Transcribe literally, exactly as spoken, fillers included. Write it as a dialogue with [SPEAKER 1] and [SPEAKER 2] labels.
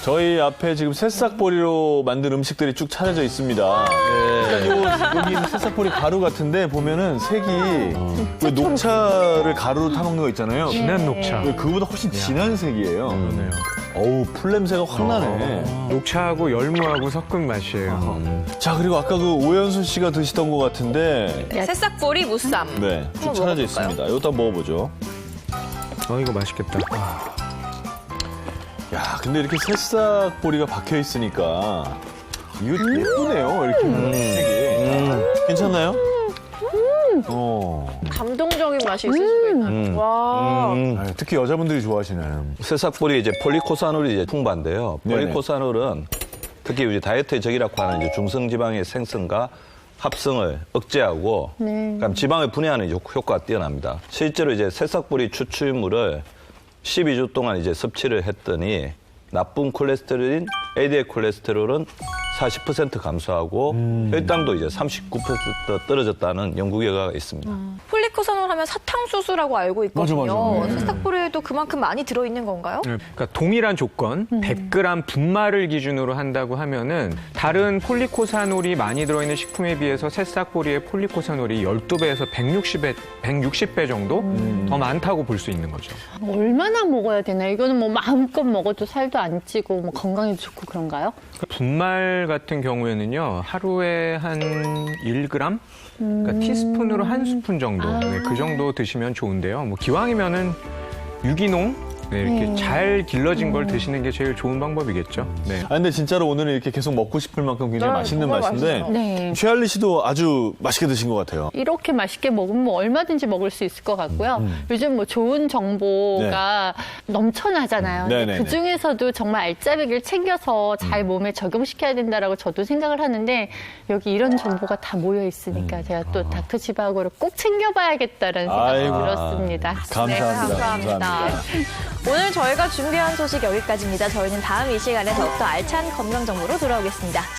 [SPEAKER 1] 저희 앞에 지금 새싹보리로 만든 음식들이 쭉 차려져 있습니다. 네. 요, 여기 있는 새싹보리 가루 같은데 보면은 색이 왜 녹차를 가루로 타먹는 거 있잖아요.
[SPEAKER 2] 진한 녹차.
[SPEAKER 1] 왜 그거보다 훨씬 진한 색이에요.
[SPEAKER 2] 그러네요.
[SPEAKER 1] 어우, 풀 냄새가 확 나네.
[SPEAKER 2] 녹차하고 열무하고 섞은 맛이에요.
[SPEAKER 1] 자, 그리고 아까 그 오연수 씨가 드시던 것 같은데
[SPEAKER 3] 새싹보리 무쌈.
[SPEAKER 1] 네, 쭉
[SPEAKER 3] 한번
[SPEAKER 1] 차려져
[SPEAKER 3] 먹어볼까요?
[SPEAKER 1] 있습니다. 이것도 한번 먹어보죠.
[SPEAKER 2] 어, 이거 맛있겠다.
[SPEAKER 1] 야, 근데 이렇게 새싹보리가 박혀 있으니까 이거 예쁘네요. 이렇게 색이. 괜찮나요? 어.
[SPEAKER 3] 감동적인 맛이 있을 수가 있나요? 와.
[SPEAKER 1] 아, 특히 여자분들이 좋아하시는.
[SPEAKER 4] 새싹보리 이제 폴리코사놀이 이제 풍부한데요.
[SPEAKER 1] 네네.
[SPEAKER 4] 폴리코사놀은 특히 이제 다이어트의 적이라고 하는 이제 중성지방의 생성과 합성을 억제하고, 그럼 지방을 분해하는 이제 효과가 뛰어납니다. 실제로 이제 새싹보리 추출물을 십이 주 동안 이제 섭취를 했더니 나쁜 콜레스테롤인 엘디엘 콜레스테롤은 사십 퍼센트 감소하고 혈당도 이제 삼십구 퍼센트 떨어졌다는 연구 결과가 있습니다.
[SPEAKER 3] 폴리코사놀 하면 사탕수수라고 알고 있거든요.
[SPEAKER 1] 맞아, 맞아. 네.
[SPEAKER 3] 새싹보리에도 그만큼 많이 들어있는 건가요?
[SPEAKER 2] 네, 그러니까 동일한 조건, 백 그램 분말을 기준으로 한다고 하면은 다른 폴리코사놀이 많이 들어있는 식품에 비해서 새싹보리의 폴리코사놀이 열두 배에서 백육십 배, 백육십 배 정도 더 많다고 볼 수 있는 거죠.
[SPEAKER 5] 얼마나 먹어야 되나요? 이거는 뭐 마음껏 먹어도 살도 안 찌고 뭐 건강에도 좋고 그런가요?
[SPEAKER 2] 분말 같은 경우에는요, 하루에 한 일 그램? 그러니까 티스푼으로 한 스푼 정도, 네, 그 정도 드시면 좋은데요. 뭐 기왕이면은 유기농, 네, 이렇게 잘 길러진 걸 드시는 게 제일 좋은 방법이겠죠. 네.
[SPEAKER 1] 아, 근데 진짜로 오늘은 이렇게 계속 먹고 싶을 만큼 굉장히
[SPEAKER 3] 네,
[SPEAKER 1] 맛있는
[SPEAKER 3] 정말
[SPEAKER 1] 맛인데.
[SPEAKER 3] 맛있어요.
[SPEAKER 5] 네.
[SPEAKER 1] 최할리 씨도 아주 맛있게 드신 것 같아요.
[SPEAKER 5] 이렇게 맛있게 먹으면 뭐 얼마든지 먹을 수 있을 것 같고요. 요즘 뭐 좋은 정보가 넘쳐나잖아요.
[SPEAKER 1] 음.
[SPEAKER 5] 근데
[SPEAKER 1] 네네네.
[SPEAKER 5] 그 중에서도 정말 알짜배기를 챙겨서 잘 몸에 적용시켜야 된다라고 저도 생각을 하는데 여기 이런 정보가 다 모여 있으니까 제가 또 닥터 지바고를 꼭 챙겨봐야겠다라는 생각이
[SPEAKER 1] 아이고.
[SPEAKER 5] 들었습니다.
[SPEAKER 1] 감사합니다.
[SPEAKER 3] 네, 감사합니다.
[SPEAKER 1] 감사합니다.
[SPEAKER 3] 오늘 저희가 준비한 소식 여기까지입니다. 저희는 다음 이 시간에 더욱더 알찬 건강 정보로 돌아오겠습니다.